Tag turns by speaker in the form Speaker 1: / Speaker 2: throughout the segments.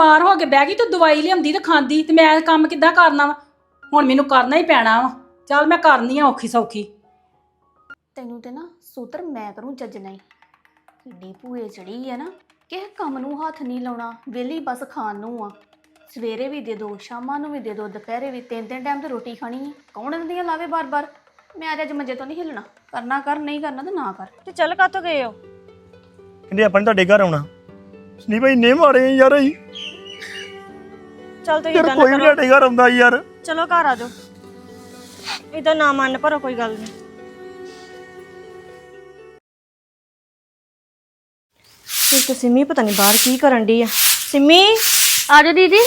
Speaker 1: ਬਿਮਾਰ ਹੋ ਕੇ ਬਹਿ ਗਈ, ਤੂੰ ਦਵਾਈ ਲਿਆਉਂਦੀ ਤੇ ਖਾਂਦੀ ਤੇ ਮੈਂ ਕੰਮ ਕਿੱਦਾਂ ਕਰਨਾ ਵਾ? ਹੁਣ ਮੈਨੂੰ ਕਰਨਾ ਹੀ ਪੈਣਾ ਵਾ। ਚੱਲ ਮੈਂ ਕਰਨੀ ਆ ਔਖੀ ਸੌਖੀ।
Speaker 2: ਤੈਨੂੰ ਤੇ ਨਾ ਸੂਤਰ ਮੈਂ ਕਰੂੰ ਜੱਜ ਨਹੀਂ। ਕਿੱਡੀ ਭੂਏ ਚੜੀ ਆ ਨਾ, ਕਿਸੇ ਕੰਮ ਨੂੰ ਹੱਥ ਨਹੀਂ ਲਾਉਣਾ, ਵਿਹਲੀ ਬਸ ਖਾਣ ਨੂੰ ਆ। ਸਵੇਰੇ ਵੀ ਦੇ ਦੋ, ਸ਼ਾਮਾਂ ਨੂੰ ਵੀ ਦੇ ਦੋ, ਦੁਪਹਿਰੇ ਵੀ, ਤਿੰਨ ਤਿੰਨ ਟਾਈਮ ਤੇ ਰੋਟੀ ਖਾਣੀ ਹੈ। ਕੌਣ ਦਿੰਦੀਆਂ ਲਾਵੇ ਬਾਰ-ਬਾਰ। ਮੈਂ ਅੱਜ ਮੰਜੇ ਤੋਂ ਨਹੀਂ ਹਿੱਲਣਾ, ਕਰਨਾ ਕਰ, ਨਹੀਂ ਕਰਨਾ ਤਾਂ ਨਾ ਕਰ।
Speaker 3: ਤੇ ਚੱਲ ਕਾਤੋਂ ਗਏ ਹੋ?
Speaker 4: ਕਹਿੰਦੇ ਆਪਾਂ ਨੇ ਤੁਹਾਡੇ ਘਰ ਆਉਣਾ। ਨਹੀਂ ਭਾਈ ਨੇ ਮਾਰੇ ਯਾਰ ਅਸੀਂ।
Speaker 3: ਚੱਲ ਤੂੰ
Speaker 4: ਯਾਰ
Speaker 3: ਇਦਾਂ
Speaker 4: ਕੋਈ
Speaker 3: ਨਾ
Speaker 4: ਵੀ
Speaker 3: ਕਰੋ,
Speaker 4: ਸਾਡੇ ਘਰ ਆਉਂਦਾ ਯਾਰ।
Speaker 3: ਚਲੋ ਘਰ ਆ ਜਾਓ। ਇਦਾਂ ਨਾ ਮੰਨ ਪਰ ਕੋਈ ਗੱਲ ਨਹੀਂ। ਇਹ ਤਾਂ ਸਿੰਮੀ ਪਤਾ ਨਹੀਂ ਬਾਹਰ ਕੀ ਕਰਨ ਡਈ ਆ। ਸਿੰਮੀ
Speaker 5: ਆ ਜਾਓ ਦੀਦੀ।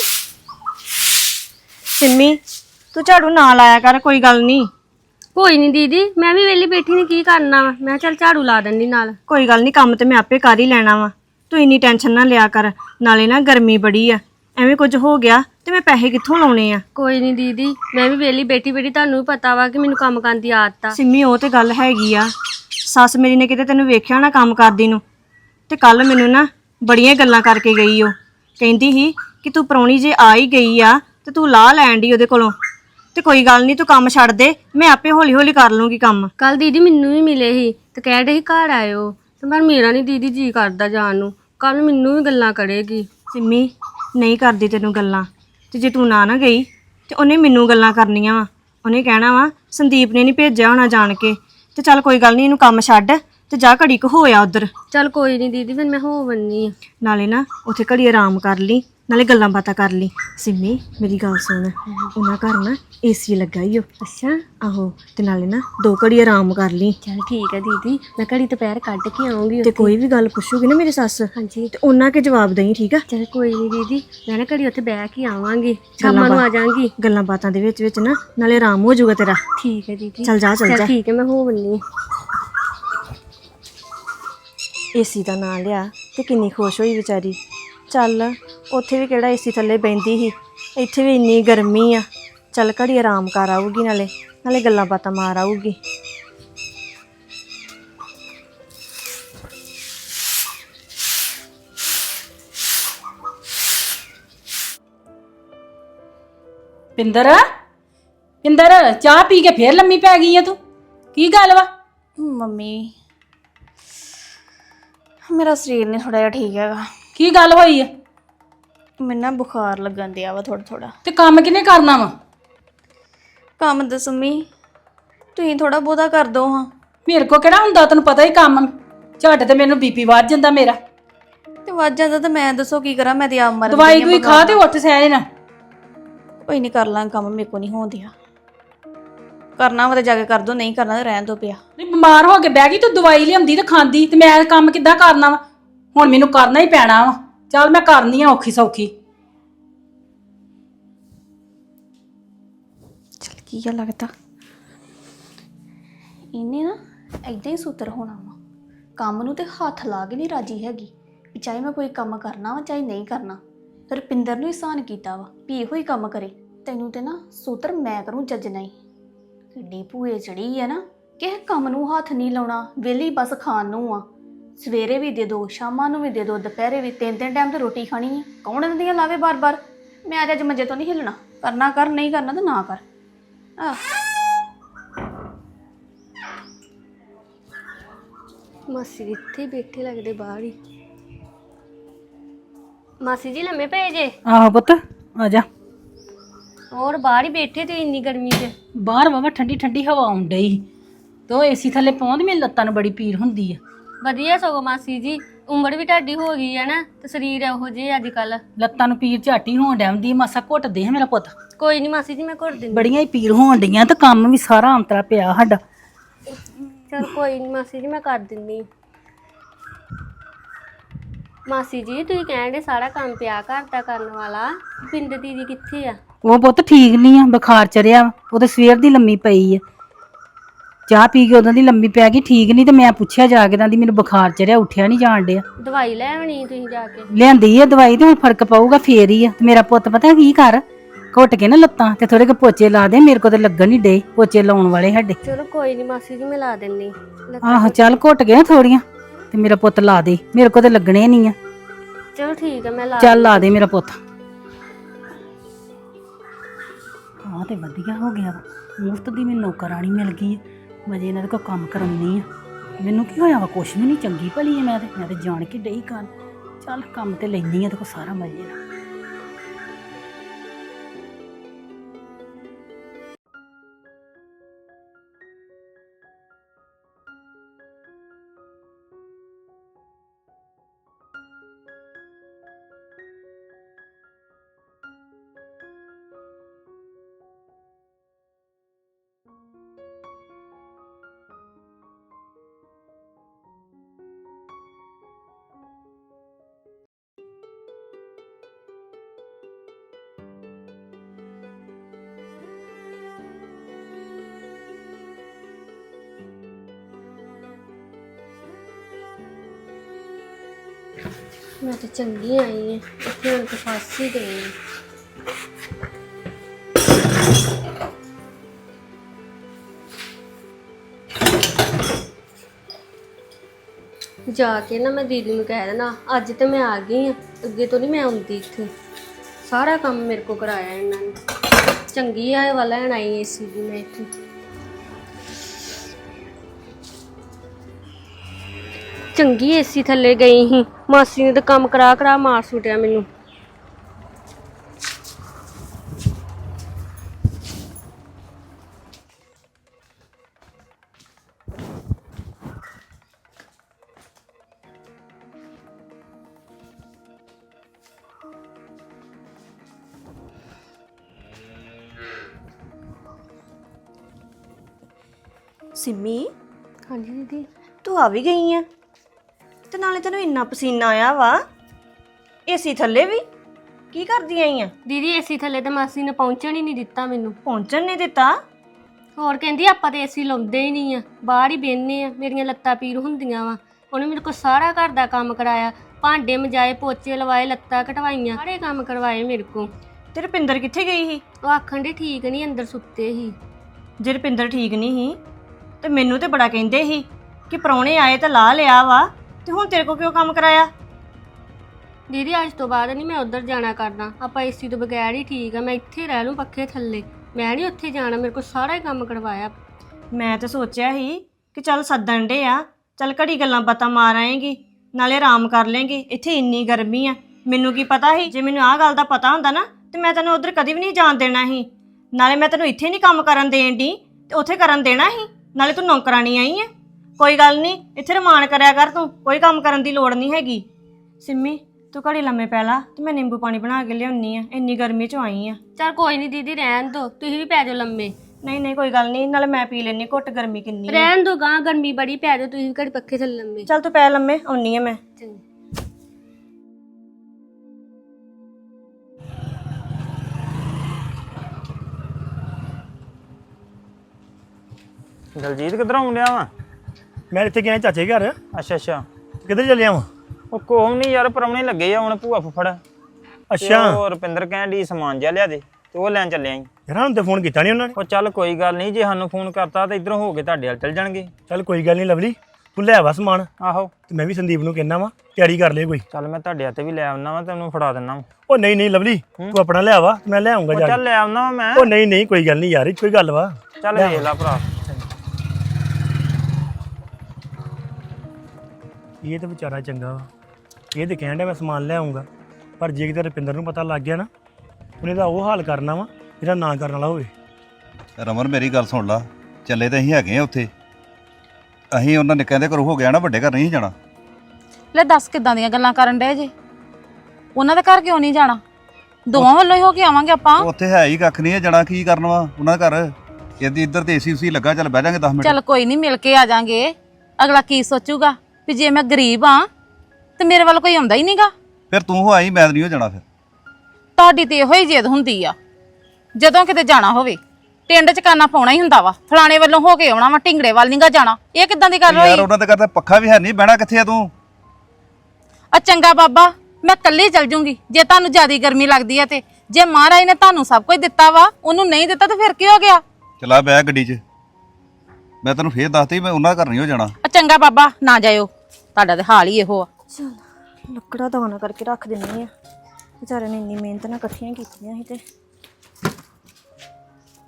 Speaker 3: ਸਿੰਮੀ ਤੂੰ ਝਾੜੂ ਨਾ ਲਾਇਆ ਕਰ, ਕੋਈ ਗੱਲ ਨਹੀਂ।
Speaker 5: ਕੋਈ ਨਹੀਂ ਦੀਦੀ, ਮੈਂ ਵੀ ਵਿਹਲੀ ਬੈਠੀ ਨਹੀਂ, ਕੀ ਕਰਨਾ ਵਾ। ਮੈਂ ਚੱਲ ਝਾੜੂ ਲਾ ਦਿੰਦੀ ਨਾਲ।
Speaker 3: ਕੋਈ ਗੱਲ ਨਹੀਂ, ਕੰਮ ਤੇ ਮੈਂ ਆਪੇ ਕਰ ਹੀ ਲੈਣਾ ਵਾ। ਤੂੰ ਇੰਨੀ ਟੈਨਸ਼ਨ ਨਾ ਲਿਆ ਕਰ। ਨਾਲੇ ਨਾ ਗਰਮੀ ਬੜੀ ਆ, ਐਵੇਂ ਕੁਝ ਹੋ ਗਿਆ ਤੇ ਮੈਂ ਪੈਸੇ ਕਿੱਥੋਂ ਲਾਉਣੇ ਆ।
Speaker 5: ਕੋਈ ਨਹੀਂ ਦੀਦੀ, ਮੈਂ ਵੀ ਵਿਹਲੀ ਬੈਠੀ ਤੁਹਾਨੂੰ ਵੀ ਪਤਾ ਵਾ ਕਿ ਮੈਨੂੰ ਕੰਮ ਕਰਨ ਦੀ ਆਦਤ ਆ।
Speaker 3: ਸਿੰਮੀ ਉਹ ਤੇ ਗੱਲ ਹੈਗੀ ਆ, ਸੱਸ ਮੇਰੀ ਨੇ ਕਿਤੇ ਤੈਨੂੰ ਵੇਖਿਆ ਨਾ ਕੰਮ ਕਰਦੀ ਨੂੰ, ਤੇ ਕੱਲ ਮੈਨੂੰ ਨਾ ਬੜੀਆਂ ਗੱਲਾਂ ਕਰਕੇ ਗਈ। ਉਹ ਕਹਿੰਦੀ ਸੀ ਕਿ ਤੂੰ ਪ੍ਰਾਹੁਣੀ ਜੇ ਆ ਹੀ ਗਈ ਆ ਤੇ ਤੂੰ ਲਾਹ ਲੈਣ ਦੀ ਉਹਦੇ ਕੋਲੋਂ, ਤੇ ਕੋਈ ਗੱਲ ਨਹੀਂ ਤੂੰ ਕੰਮ ਛੱਡ ਦੇ, ਮੈਂ ਆਪੇ ਹੌਲੀ ਹੌਲੀ ਕਰ ਲੂੰਗੀ ਕੰਮ।
Speaker 5: ਕੱਲ ਦੀਦੀ ਮੈਨੂੰ ਵੀ ਮਿਲੇ ਸੀ ਤੇ ਕਹਿ ਰਹੇ ਸੀ ਘਰ ਆਇਓ, ਤੇ ਪਰ ਮੇਰਾ ਨਹੀਂ ਦੀਦੀ ਜੀ ਕਰਦਾ ਜਾਣ ਨੂੰ। ਕੱਲ ਮੈਨੂੰ ਵੀ ਗੱਲਾਂ ਕਰੇਗੀ।
Speaker 3: ਸਿੰਮੀ ਨਹੀਂ ਕਰਦੀ ਤੈਨੂੰ ਗੱਲਾਂ, ਤੇ ਜੇ ਤੂੰ ਨਾ ਗਈ ਤੇ ਉਹਨੇ ਮੈਨੂੰ ਗੱਲਾਂ ਕਰਨੀਆਂ ਵਾ। ਉਹਨੇ ਕਹਿਣਾ ਵਾ ਸੰਦੀਪ ਨੇ ਨਹੀਂ ਭੇਜਿਆ ਹੋਣਾ ਜਾਣ ਕੇ। ਤੇ ਚੱਲ ਕੋਈ ਗੱਲ ਨਹੀਂ, ਇਹਨੂੰ ਕੰਮ ਛੱਡ ਤੇ ਜਾ ਘੜੀ ਕੁ ਹੋਇਆ ਉਧਰ।
Speaker 5: ਚੱਲ ਕੋਈ ਨਹੀਂ ਦੀਦੀ, ਫਿਰ ਮੈਂ ਹੋ ਬੰਨੀ ਆ।
Speaker 3: ਨਾਲੇ ਨਾ ਉੱਥੇ ਘੜੀ ਆਰਾਮ ਕਰ ਲਈ, ਨਾਲੇ ਗੱਲਾਂ ਬਾਤਾਂ ਕਰ ਲਈ। ਸਿੰਮੀ ਮੇਰੀ ਗੱਲ ਸੁਣ, ਉਹਨਾਂ ਘਰ ਨਾ ਏਸੀ ਲੱਗਾ ਈ ਓ।
Speaker 5: ਅੱਛਾ,
Speaker 3: ਆਹੋ, ਤੇ ਨਾਲੇ ਨਾ 2 ਘੜੀ ਆਰਾਮ ਕਰ ਲਈ।
Speaker 5: ਚੱਲ ਠੀਕ ਹੈ ਦੀਦੀ, ਮੈਂ ਘੜੀ ਦੁਪਹਿਰ ਕੱਢ ਕੇ ਆਉਂਗੀ।
Speaker 3: ਤੇ ਕੋਈ ਵੀ ਗੱਲ ਪੁੱਛੂਗੀ ਨਾ ਮੇਰੀ ਸੱਸ,
Speaker 5: ਹਾਂਜੀ,
Speaker 3: ਤੇ ਉਹਨਾਂ ਕੇ ਜਵਾਬ ਦੇਈ, ਠੀਕ ਆ?
Speaker 5: ਚੱਲ ਕੋਈ ਨਹੀਂ ਦੀਦੀ, ਮੈਂ ਨਾ ਘੜੀ ਉੱਥੇ ਬਹਿ ਕੇ ਆਵਾਂਗੀ, ਸ਼ਾਮਾਂ ਨੂੰ ਆ ਜਾਵਾਂਗੀ।
Speaker 3: ਗੱਲਾਂ ਬਾਤਾਂ ਦੇ ਵਿੱਚ ਵਿੱਚ ਨਾ ਨਾਲੇ ਆਰਾਮ ਹੋ ਜਾਊਗਾ ਤੇਰਾ।
Speaker 5: ਠੀਕ ਹੈ ਦੀਦੀ,
Speaker 3: ਚੱਲ ਜਾ ਚੱਲ ਜਾ।
Speaker 5: ਠੀਕ ਹੈ, ਮੈਂ ਹੋ ਬੰਨੀ।
Speaker 3: ਏਸੀ ਦਾ ਨਾਂ ਲਿਆ ਤੇ ਕਿੰਨੀ ਖੁਸ਼ ਹੋਈ ਵਿਚਾਰੀ। ਚੱਲ ਉੱਥੇ ਵੀ ਕਿਹੜਾ ਏਸੀ ਥੱਲੇ ਬਹਿੰਦੀ ਸੀ, ਇੱਥੇ ਵੀ ਇੰਨੀ ਗਰਮੀ ਆ। ਚੱਲ ਘੜੀ ਆਰਾਮ ਕਰ ਆਊਗੀ, ਨਾਲੇ ਨਾਲੇ ਗੱਲਾਂ ਬਾਤਾਂ ਮਾਰ ਆਊਗੀ।
Speaker 1: ਪਿੰਦਰ, ਪਿੰਦਰ ਚਾਹ ਪੀ ਕੇ ਫੇਰ ਲੰਮੀ ਪੈ ਗਈ ਆ ਤੂੰ? ਕੀ ਗੱਲ ਵਾ?
Speaker 2: ਮੰਮੀ ਮੇਰਾ ਸਰੀਰ ਨਹੀਂ ਥੋੜਾ ਜਿਹਾ ਠੀਕ ਹੈਗਾ।
Speaker 1: ਕੀ ਗੱਲ ਹੋਈ ਆ?
Speaker 2: ਮੈਨੂੰ ਨਾ ਬੁਖਾਰ ਲੱਗਣ ਦਿਆ ਵਾ ਥੋੜਾ ਥੋੜਾ।
Speaker 1: ਤੇ ਕੰਮ ਕਿਹਨੇ ਕਰਨਾ ਵਾ?
Speaker 2: ਕੰਮ ਦੱਸ ਮੰਮੀ, ਤੁਸੀਂ ਥੋੜਾ ਬਹੁਤਾ ਕਰ ਦੋ ਹਾਂ।
Speaker 1: ਮੇਰੇ ਕੋ ਕਿਹੜਾ ਹੁੰਦਾ, ਤੈਨੂੰ ਪਤਾ ਹੀ ਕੰਮ ਝੱਟ ਤੇ ਮੈਨੂੰ ਬੀਪੀ ਵੱਧ ਜਾਂਦਾ ਮੇਰਾ।
Speaker 2: ਤੇ ਵੱਜ ਜਾਂਦਾ ਤਾਂ ਮੈਂ ਦੱਸੋ ਕੀ ਕਰਾਂ, ਮੈਂ ਤੇ ਆਪ ਮਰ
Speaker 1: ਦਵਾਈ ਦੂਈ ਖਾ ਤੇ ਉੱਠ ਸਹਿ ਨਾ।
Speaker 2: ਕੋਈ ਨਹੀਂ, ਕਰ ਲਾਂ ਕੰਮ, ਮੇਰੇ ਕੋ ਨਹੀਂ ਹੋਂਦਿਆ। ਕਰਨਾ ਵਾ ਤੇ ਜਾ ਕੇ ਕਰ ਦੋ, ਨਹੀਂ ਕਰਨਾ ਤੇ ਰਹਿਣ ਦੋ ਪਿਆ।
Speaker 1: ਨਹੀਂ ਬਿਮਾਰ ਹੋ ਕੇ ਬਹਿ ਗਈ, ਤੂੰ ਦਵਾਈ ਲਿਆਉਂਦੀ ਤੇ ਖਾਂਦੀ ਤੇ ਮੈਂ ਕੰਮ ਕਿੱਦਾਂ ਕਰਨਾ ਵਾ? ਹੁਣ ਮੈਨੂੰ ਕਰਨਾ ਹੀ ਪੈਣਾ ਵਾ। ਚੱਲ ਮੈਂ ਕਰਨੀ ਆ ਔਖੀ ਸੌਖੀ।
Speaker 2: ਚਲ ਕੀ ਆ ਲੱਗਦਾ ਇਹਨੇ ਨਾ ਏਦਾਂ ਹੀ ਸੂਤਰ ਹੋਣਾ ਵਾ। ਕੰਮ ਨੂੰ ਤੇ ਹੱਥ ਲਾ ਕੇ ਨਹੀਂ ਰਾਜੀ ਹੈਗੀ ਵੀ ਚਾਹੇ ਮੈਂ ਕੋਈ ਕੰਮ ਕਰਨਾ ਵਾ ਚਾਹੇ ਨਹੀਂ ਕਰਨਾ। ਰੁਪਿੰਦਰ ਨੂੰ ਇਨਸਾਨ ਕੀਤਾ ਵਾ ਵੀ ਇਹੋ ਹੀ ਕੰਮ ਕਰੇ। ਤੈਨੂੰ ਤੇ ਨਾ ਸੂਤਰ ਮੈਂ ਕਰੂੰ ਜੱਜ ਨਹੀਂ। ਕਿੱਡੀ ਭੂਏ ਚੜੀ ਆ ਨਾ, ਕਿਸੇ ਕੰਮ ਨੂੰ ਹੱਥ ਨਹੀਂ ਲਾਉਣਾ, ਵਿਹਲੀ ਬਸ ਖਾਣ ਨੂੰ ਆ। ਸਵੇਰੇ ਵੀ ਦੇ ਦੋ, ਸ਼ਾਮਾਂ ਨੂੰ ਵੀ ਦੇ ਦੋ, ਦੁਪਹਿਰੇ ਵੀ, ਤਿੰਨ ਤਿੰਨ ਟਾਈਮ ਤੇ ਰੋਟੀ ਖਾਣੀ ਹੈ। ਕੌਣ ਦਿੰਦੀਆਂ ਲਾਵੇ ਬਾਰ-ਬਾਰ। ਮੈਂ ਅੱਜ ਮੰਜੇ ਤੋਂ ਨਹੀਂ ਹਿੱਲਣਾ, ਕਰਨਾ ਕਰ, ਨਹੀਂ ਕਰਨਾ ਤਾਂ ਨਾ ਕਰ।
Speaker 5: ਮਾਸੀ ਇੱਥੇ ਬੈਠੇ ਲੱਗਦੇ ਬਾਹਰ ਹੀ। ਮਾਸੀ ਜੀ ਲੰਮੇ ਪਏ ਜੇ?
Speaker 1: ਆਹੋ ਪੁੱਤ ਆ ਜਾ।
Speaker 5: ਹੋਰ ਬਾਹਰ ਹੀ ਬੈਠੇ ਤੇ ਇੰਨੀ ਗਰਮੀ 'ਚ।
Speaker 1: ਬਾਹਰ ਵਾਵਾ ਠੰਡੀ ਠੰਡੀ ਹਵਾ ਆਉਣ ਡਈ ਤੇ ਏਸੀ ਥੱਲੇ ਪਹੁੰਚ, ਮੇਰੀ ਲੱਤਾਂ ਨੂੰ ਬੜੀ ਪੀੜ ਹੁੰਦੀ ਆ।
Speaker 5: ਵਧੀਆ ਸਗੋਂ ਮਾਸੀ ਜੀ, ਉਮਰ ਵੀ ਤੁਹਾਡੀ ਹੋ ਗਈ ਹੈ ਨਾ, ਤੇ ਸਰੀਰ ਇਹੋ ਜਿਹੇ ਅੱਜ ਕੱਲ।
Speaker 1: ਲੱਤਾਂ ਨੂੰ ਪੀੜ ਝਾਟੀ ਹੋਣ ਡੈਂਦੀ, ਮਾਸਾ ਘੁੱਟ ਦੇ ਮੇਰਾ ਪੁੱਤ।
Speaker 5: ਕੋਈ ਨਹੀਂ ਮਾਸੀ ਜੀ, ਮੈਂ ਘੁੱਟ ਦਿੰਦੀ।
Speaker 1: ਬੜੀਆਂ ਹੀ ਪੀੜ ਹੋਣ ਡੀਆਂ ਤੇ ਕੰਮ ਵੀ ਸਾਰਾ ਅੰਤਰਾ ਪਿਆ ਸਾਡਾ।
Speaker 5: ਚਲ ਕੋਈ ਨਹੀਂ ਮਾਸੀ ਜੀ, ਮੈਂ ਕਰ ਦਿੰਦੀ। ਮਾਸੀ ਜੀ ਤੁਸੀਂ ਕਹਿੰਦੇ ਸਾਰਾ ਕੰਮ ਪਿਆ ਘਰ ਦਾ ਕਰਨ ਵਾਲਾ, ਪਿੰਦਰ ਦੀਦੀ ਕਿੱਥੇ ਆ?
Speaker 1: ਉਹ ਪੁੱਤ ਠੀਕ ਨਹੀਂ ਆ, ਬੁਖਾਰ ਚੜਿਆ ਵਾ, ਉਹ ਤੇ ਸਵੇਰ ਦੀ ਲੰਮੀ ਪਈ ਆ। ਚਾਹ ਪੀ ਕੇ ਉਦੋਂ ਦੀ ਲੰਮੀ ਪੈ ਗਈ, ਠੀਕ ਨਹੀਂ। ਤੇ ਮੈਂ ਪੁੱਛਿਆ ਜਾ ਕੇ, ਕਹਿੰਦੀ ਮੈਨੂੰ ਬੁਖਾਰ ਚੜਿਆ, ਉੱਠਿਆ ਨਹੀਂ ਜਾਣ ਡਿਆ।
Speaker 5: ਦਵਾਈ ਲੈ ਆਉਣੀ ਤੁਸੀਂ ਜਾ ਕੇ?
Speaker 1: ਲਿਆਂਦੀ ਆ ਦਵਾਈ, ਤੇ ਹੁਣ ਫਰਕ ਪਊਗਾ ਫੇਰ ਹੀ ਆ। ਤੇ ਮੇਰਾ ਪੁੱਤ ਪਤਾ ਕੀ ਕਰ, ਘੁੱਟ ਕੇ ਨਾ ਲੱਤਾਂ ਤੇ ਥੋੜੇ ਕੇ ਪੋਚੇ ਲਾ ਦੇ, ਮੇਰੇ ਕੋਲ ਤੇ ਲੱਗਣ ਨਹੀਂ ਡੇ ਪੋਚੇ ਲਾਉਣ ਵਾਲੇ ਸਾਡੇ।
Speaker 5: ਚਲੋ ਕੋਈ ਨਹੀਂ ਮਾਸੀ ਜੀ, ਮੈਂ ਲਾ ਦਿੰਨੀ।
Speaker 1: ਆਹੋ ਚੱਲ ਘੁੱਟ ਕੇ ਥੋੜੀਆਂ ਤੇ ਮੇਰਾ ਪੁੱਤ ਲਾ ਦੇ, ਮੇਰੇ ਕੋਲ ਤੇ ਲੱਗਣੇ ਨਹੀਂ ਆ।
Speaker 5: ਚਲੋ ਠੀਕ ਹੈ, ਮੈਂ ਲਾ
Speaker 1: ਚੱਲ ਲਾ ਦੇ ਮੇਰਾ ਪੁੱਤ। ਤੇ ਵਧੀਆ ਹੋ ਗਿਆ ਵਾ ਮੁਫਤ ਦੀ ਮੈਨੂੰ ਨੌਕਰਾਣੀ ਮਿਲ ਗਈ ਹੈ ਮਜੇ ਇਹਨਾਂ ਦੇ ਕੋਲ ਕੰਮ ਕਰਾਉਣੀ ਆ ਮੈਨੂੰ ਕੀ ਹੋਇਆ ਵਾ ਕੁਛ ਵੀ ਨਹੀਂ ਚੰਗੀ ਭਲੀ ਹੈ ਮੈਂ ਤੇ ਜਾਣ ਕੇ ਡਈ ਕਰਨ ਚੱਲ ਕੰਮ ਤੇ ਲੈਣੀ ਆ ਤੇ ਕੋ ਸਾਰਾ ਮਜੇ ਨਾਲ
Speaker 5: ਮੈਂ ਤਾਂ ਚੰਗੀ ਆਈ ਹਾਂ ਇੱਥੇ ਹੁਣ ਤਾਂ ਫਸ ਹੀ ਗਈ ਹਾਂ। ਜਾ ਕੇ ਨਾ ਮੈਂ ਦੀਦੀ ਨੂੰ ਕਹਿ ਦੇਣਾ ਅੱਜ ਤੇ ਮੈਂ ਆ ਗਈ ਹਾਂ ਅੱਗੇ ਤੋਂ ਨਹੀਂ ਮੈਂ ਆਉਂਦੀ ਇੱਥੇ ਸਾਰਾ ਕੰਮ ਮੇਰੇ ਕੋ ਕਰਾਇਆ ਇਹਨਾਂ ਨੇ ਚੰਗੀ ਆਏ ਵਾਲਾ ਲੈਣ ਆਈ ਏਸੀ ਦੀ ਮੈਂ ਇੱਥੇ ਚੰਗੀ ਏਸੀ ਥੱਲੇ ਗਈ ਸੀ ਮਾਸੀ ਨੇ ਤਾਂ ਕੰਮ ਕਰਾ ਮਾਰ ਸੁੱਟਿਆ ਮੈਨੂੰ
Speaker 3: ਸਿੰਮੀ
Speaker 5: ਹਾਂਜੀ ਦੀਦੀ
Speaker 3: ਤੂੰ ਆ ਵੀ ਗਈ ਆ ਤੇ ਨਾਲੇ ਤੈਨੂੰ ਇੰਨਾ ਪਸੀਨਾ ਆਇਆ ਵਾ ਏਸੀ ਥੱਲੇ ਵੀ ਕੀ ਕਰਦੀ ਆਈ ਆ
Speaker 5: ਦੀਦੀ ਏਸੀ ਥੱਲੇ ਤਾਂ ਮਾਸੀ ਨੇ ਪਹੁੰਚਣ ਹੀ ਨਹੀਂ ਦਿੱਤਾ ਮੈਨੂੰ
Speaker 3: ਪਹੁੰਚਣ ਨਹੀਂ ਦਿੱਤਾ
Speaker 5: ਹੋਰ ਕਹਿੰਦੀ ਆਪਾਂ ਤੇ ਏਸੀ ਲਾਉਂਦੇ ਹੀ ਨਹੀਂ ਆ ਬਾਹਰ ਹੀ ਬਹਿੰਦੇ ਆ ਮੇਰੀਆਂ ਲੱਤਾਂ ਪੀੜ ਹੁੰਦੀਆਂ ਵਾ ਉਹਨੇ ਮੇਰੇ ਕੋਲ ਸਾਰਾ ਘਰ ਦਾ ਕੰਮ ਕਰਾਇਆ ਭਾਂਡੇ ਮਜਾਏ ਪੋਚੇ ਲਵਾਏ ਲੱਤਾਂ ਕਟਵਾਈਆਂ ਸਾਰੇ ਕੰਮ ਕਰਵਾਏ ਮੇਰੇ ਕੋਲ
Speaker 3: ਤੇ ਰੁਪਿੰਦਰ ਕਿੱਥੇ ਗਈ ਸੀ
Speaker 5: ਉਹ ਆਖਣ ਦੇ ਠੀਕ ਨਹੀਂ ਅੰਦਰ ਸੁੱਤੇ ਸੀ
Speaker 3: ਜੇ ਰੁਪਿੰਦਰ ਠੀਕ ਨਹੀਂ ਸੀ ਤੇ ਮੈਨੂੰ ਤੇ ਬੜਾ ਕਹਿੰਦੇ ਸੀ ਕਿ ਪ੍ਰਾਹੁਣੇ ਆਏ ਤਾਂ ਲਾ ਲਿਆ ਵਾ ਤੇ ਹੁਣ ਤੇਰੇ ਕੋਲ ਕਿਉਂ ਕੰਮ ਕਰਾਇਆ
Speaker 5: ਦੀਦੀ ਅੱਜ ਤੋਂ ਬਾਅਦ ਨਹੀਂ ਮੈਂ ਉੱਧਰ ਜਾਣਾ ਕਰਨਾ ਆਪਾਂ ਏਸੀ ਤੋਂ ਬਗੈਰ ਹੀ ਠੀਕ ਆ ਮੈਂ ਇੱਥੇ ਰਹਿ ਲੂੰ ਪੱਖੇ ਥੱਲੇ ਮੈਂ ਨਹੀਂ ਉੱਥੇ ਜਾਣਾ ਮੇਰੇ ਕੋਲ ਸਾਰਾ ਹੀ ਕੰਮ ਕਰਵਾਇਆ
Speaker 3: ਮੈਂ ਤਾਂ ਸੋਚਿਆ ਸੀ ਕਿ ਚੱਲ ਸੱਦਣ ਡੇ ਆ ਚੱਲ ਘੜੀ ਗੱਲਾਂ ਬਾਤਾਂ ਮਾਰ ਆਏਗੀ ਨਾਲੇ ਆਰਾਮ ਕਰ ਲੇਂਗੀ ਇੱਥੇ ਇੰਨੀ ਗਰਮੀ ਆ ਮੈਨੂੰ ਕੀ ਪਤਾ ਸੀ ਜੇ ਮੈਨੂੰ ਆਹ ਗੱਲ ਦਾ ਪਤਾ ਹੁੰਦਾ ਨਾ ਤੇ ਮੈਂ ਤੈਨੂੰ ਉੱਧਰ ਕਦੀ ਵੀ ਨਹੀਂ ਜਾਣ ਦੇਣਾ ਸੀ ਨਾਲੇ ਮੈਂ ਤੈਨੂੰ ਇੱਥੇ ਨਹੀਂ ਕੰਮ ਕਰਨ ਦੇਣ ਦੀ ਤੇ ਉੱਥੇ ਕਰਨ ਦੇਣਾ ਸੀ ਨਾਲੇ ਤੂੰ ਨੌਕਰਾਨੀ ਆਈ ਆ ਕੋਈ ਗੱਲ ਨਹੀਂ ਇੱਥੇ ਰਮਾਨ ਕਰਿਆ ਕਰ ਤੂੰ ਕੋਈ ਕੰਮ ਕਰਨ ਦੀ ਲੋੜ ਨਹੀਂ ਹੈਗੀ ਸਿੰਮੀ ਤੂੰ ਘੜੀ ਲੰਮੇ ਪੈ ਲਾ ਤੇ ਮੈਂ ਨਿੰਬੂ ਪਾਣੀ ਬਣਾ ਕੇ ਲਿਆਉਣੀ ਆ ਇੰਨੀ ਗਰਮੀ ਚ ਆਈ ਆ
Speaker 5: ਚਲ ਕੋਈ ਨਹੀਂ ਦੀਦੀ ਰਹਿਣ ਦੋ ਤੁਸੀਂ ਵੀ ਪੈ ਜਾਓ ਲੰਮੇ
Speaker 3: ਨਹੀਂ ਕੋਈ ਗੱਲ ਨਹੀਂ ਨਾਲੇ ਮੈਂ ਪੀ ਲੈਣੀ ਘੁੱਟ ਗਰਮੀ ਕਿੰਨੀ ਆ
Speaker 5: ਰਹਿਣ ਦੋ ਗਾਂ ਗਰਮੀ ਬੜੀ ਪੈ ਜਾਓ ਤੁਸੀਂ ਵੀ ਘੜੀ ਪੱਖੇ ਥੱਲੇ ਲੰਮੇ
Speaker 3: ਚੱਲ ਤੂੰ ਪੈ ਲੰਮੇ ਆਉਣੀ ਆ ਮੈਂ
Speaker 5: ਚੰਗਾ
Speaker 6: ਦਲਜੀਤ ਕਿੱਧਰੋਂ ਆਉਂਦਿਆ ਵਾ
Speaker 4: ਮੈਂ ਇੱਥੇ ਗਿਆ ਚਾਚੇ ਘਰ
Speaker 6: ਅੱਛਾ ਅੱਛਾ
Speaker 4: ਕਿੱਧਰ ਚੱਲਿਆ ਵਾਂ
Speaker 6: ਉਹ ਕੋਮ ਨਹੀਂ ਯਾਰ ਪਰਮਣੇ ਲੱਗੇ ਆ ਹੁਣ ਭੂਆ ਫੁੱਫੜ
Speaker 4: ਅੱਛਾ
Speaker 6: ਉਹ ਰੁਪਿੰਦਰ ਕਹਿਣ ਦੀ ਸਮਾਨ ਜਿਹਾ ਲਿਆ ਦੇ ਤੇ ਉਹ ਲੈਣ ਚੱਲਿਆ ਈ
Speaker 4: ਯਾਰ ਹੁਣ ਤੇ ਫੋਨ ਕੀਤਾ ਨਹੀਂ ਉਹਨਾਂ ਨੇ
Speaker 6: ਉਹ ਚੱਲ ਕੋਈ ਗੱਲ ਨਹੀਂ ਜੇ ਸਾਨੂੰ ਫੋਨ ਕਰਤਾ ਤੇ ਇਧਰੋਂ ਹੋ ਕੇ ਤੁਹਾਡੇ ਵੱਲ ਚੱਲ ਜਾਣਗੇ
Speaker 4: ਚੱਲ ਕੋਈ ਗੱਲ ਨਹੀਂ ਲਵਲੀ ਤੂੰ ਲੈ ਆਵਾ ਸਮਾਨ
Speaker 6: ਆਹੋ
Speaker 4: ਤੇ ਮੈਂ ਵੀ ਸੰਦੀਪ ਨੂੰ ਕਹਿਣਾ ਵਾ ਤਿਆਰੀ ਕਰ ਲੈ ਕੋਈ
Speaker 6: ਚੱਲ ਮੈਂ ਤੁਹਾਡੇ ਹੱਥੇ ਵੀ ਲੈ ਆਉਣਾ ਵਾ ਤੈਨੂੰ ਫੜਾ ਦਿੰਦਾ
Speaker 4: ਉਹ ਨਹੀਂ ਲਵਲੀ ਤੂੰ ਆਪਣਾ ਲੈ ਆਵਾ ਮੈਂ ਲੈ ਆਉਂਗਾ ਜਾ
Speaker 6: ਚੱਲ
Speaker 4: ਕੇ
Speaker 6: ਲੈ ਆਉਣਾ ਵਾ ਮੈਂ
Speaker 4: ਉਹ ਨਹੀਂ ਕੋਈ ਗੱਲ ਨਹੀਂ ਯਾਰ ਕੋਈ ਗੱਲ ਵਾ
Speaker 6: ਚੱਲ ਵੇਖ ਲਾ ਭਰਾ
Speaker 4: ਇਹ ਤਾਂ ਵਿਚਾਰਾ ਚੰਗਾ ਵਾ ਇਹ ਤੇ ਕਹਿਣ ਡਿਆ ਮੈਂ ਸਮਾਨ ਲੈ ਆਉਂਗਾ ਪਰ ਜੇ ਕਿਤੇ ਰੁਪਿੰਦਰ ਨੂੰ ਪਤਾ ਲੱਗ ਗਿਆ ਨਾ ਉਹਨੇ ਤਾਂ ਉਹ ਹਾਲ ਕਰਨਾ ਵਾ ਜਿਹੜਾ ਨਾ ਕਰਨ ਵਾਲਾ ਹੋਵੇ
Speaker 7: ਰਮਨ ਮੇਰੀ ਗੱਲ ਸੁਣ ਲਾ ਚੱਲੇ ਤਾਂ ਅਸੀਂ ਹੈਗੇ ਆ ਉੱਥੇ ਅਸੀਂ ਉਹਨਾਂ ਨੇ ਕਹਿੰਦੇ ਘਰੋਂ ਹੋ ਗਿਆ ਨਾ ਵੱਡੇ ਘਰ ਨਹੀਂ ਜਾਣਾ
Speaker 8: ਲੈ ਦੱਸ ਕਿੱਦਾਂ ਦੀਆਂ ਗੱਲਾਂ ਕਰਨ ਡਏ ਜੇ ਉਹਨਾਂ ਦੇ ਘਰ ਕਿਉਂ ਨਹੀਂ ਜਾਣਾ ਦੋਵਾਂ ਵੱਲੋਂ ਹੀ ਹੋ ਕੇ ਆਵਾਂਗੇ ਆਪਾਂ
Speaker 7: ਉੱਥੇ ਹੈ ਹੀ ਕੱਖ ਨਹੀਂ ਹੈ ਜਾਣਾ ਕੀ ਕਰਨ ਵਾ ਉਹਨਾਂ ਦੇ ਘਰ ਇਹਦੀ ਇੱਧਰ ਤੇ ਏਸੀ ਉਸੀ ਲੱਗਾ ਚੱਲ ਬਹਿ ਜਾਾਂਗੇ 10 ਮਿੰਟ
Speaker 8: ਚੱਲ ਕੋਈ ਨਹੀਂ ਮਿਲ ਕੇ ਆ ਜਾਾਂਗੇ ਅਗਲਾ ਕੀ ਸੋਚੂਗਾ ਵੀ ਜੇ ਮੈਂ ਗਰੀਬ ਆ ਤੇ ਮੇਰੇ ਵੱਲ ਕੋਈ ਆਉਂਦਾ ਹੀ ਨਹੀਂਗਾ
Speaker 7: ਫਿਰ ਤੂੰ ਹੋ ਆਈ ਮੈਂ ਨਹੀਂ ਹੋ ਜਾਣਾ ਫਿਰ
Speaker 8: ਤੁਹਾਡੀ ਤੇ ਇਹੋ ਹੀ ਜਿੱਦ ਹੁੰਦੀ ਆ ਜਦੋਂ ਕਿਤੇ ਜਾਣਾ ਹੋਵੇ ਟਿੰਡ ਚ ਕਾਨਾ ਪਾਉਣਾ ਹੀ ਹੁੰਦਾ ਵਾ ਫਲਾਣੇ ਵੱਲੋਂ ਹੋ ਕੇ ਆਉਣਾ ਵਾ ਢਿੰਗੜੇ ਵੱਲ ਨਹੀਂਗਾ ਜਾਣਾ ਇਹ ਕਿੱਦਾਂ ਦੀ ਗੱਲ
Speaker 7: ਯਾਰ
Speaker 8: ਹੋਈ
Speaker 7: ਉਹਨਾਂ ਦੇ ਘਰ ਤਾਂ ਪੱਖਾ ਵੀ ਹੈ ਨਹੀਂ ਬਹਿਣਾ ਕਿੱਥੇ ਆ ਤੂੰ
Speaker 8: ਆ ਚੰਗਾ ਬਾਬਾ ਮੈਂ ਕੱਲੀ ਚੱਲ ਜੂੰਗੀ ਜੇ ਤੁਹਾਨੂੰ ਜ਼ਿਆਦਾ ਗਰਮੀ ਲੱਗਦੀ ਆ ਤੇ ਜੇ ਮਹਾਰਾਜ ਨੇ ਤੁਹਾਨੂੰ ਸਭ ਕੁਝ ਦਿੱਤਾ ਵਾ ਉਹਨੂੰ ਨਹੀਂ ਦਿੱਤਾ ਤਾਂ ਫਿਰ ਕੀ ਹੋ ਗਿਆ
Speaker 7: ਚਲਾ ਬਹਿ ਗੱਡੀ 'ਚ ਮੈਂ ਤੈਨੂੰ ਫੇਰ ਦੱਸਤੀ ਮੈਂ ਉਹਨਾਂ ਘਰ ਨਹੀਂ ਹੋ ਜਾਣਾ
Speaker 8: ਆ ਚੰਗਾ ਬਾਬਾ ਨਾ ਜਾਇਓ ਤੁਹਾਡਾ ਤੇ ਹਾਲ ਹੀ ਇਹੋ ਆ
Speaker 3: ਚਲ ਲੱਕੜਾ ਦਾਣਾ ਕਰਕੇ ਰੱਖ ਦਿੰਨੀ ਆ ਵਿਚਾਰੇ ਨੇ ਇੰਨੀ ਮਿਹਨਤ ਨਾਲ ਇਕੱਠੀਆਂ ਕੀਤੀਆਂ ਸੀ ਤੇ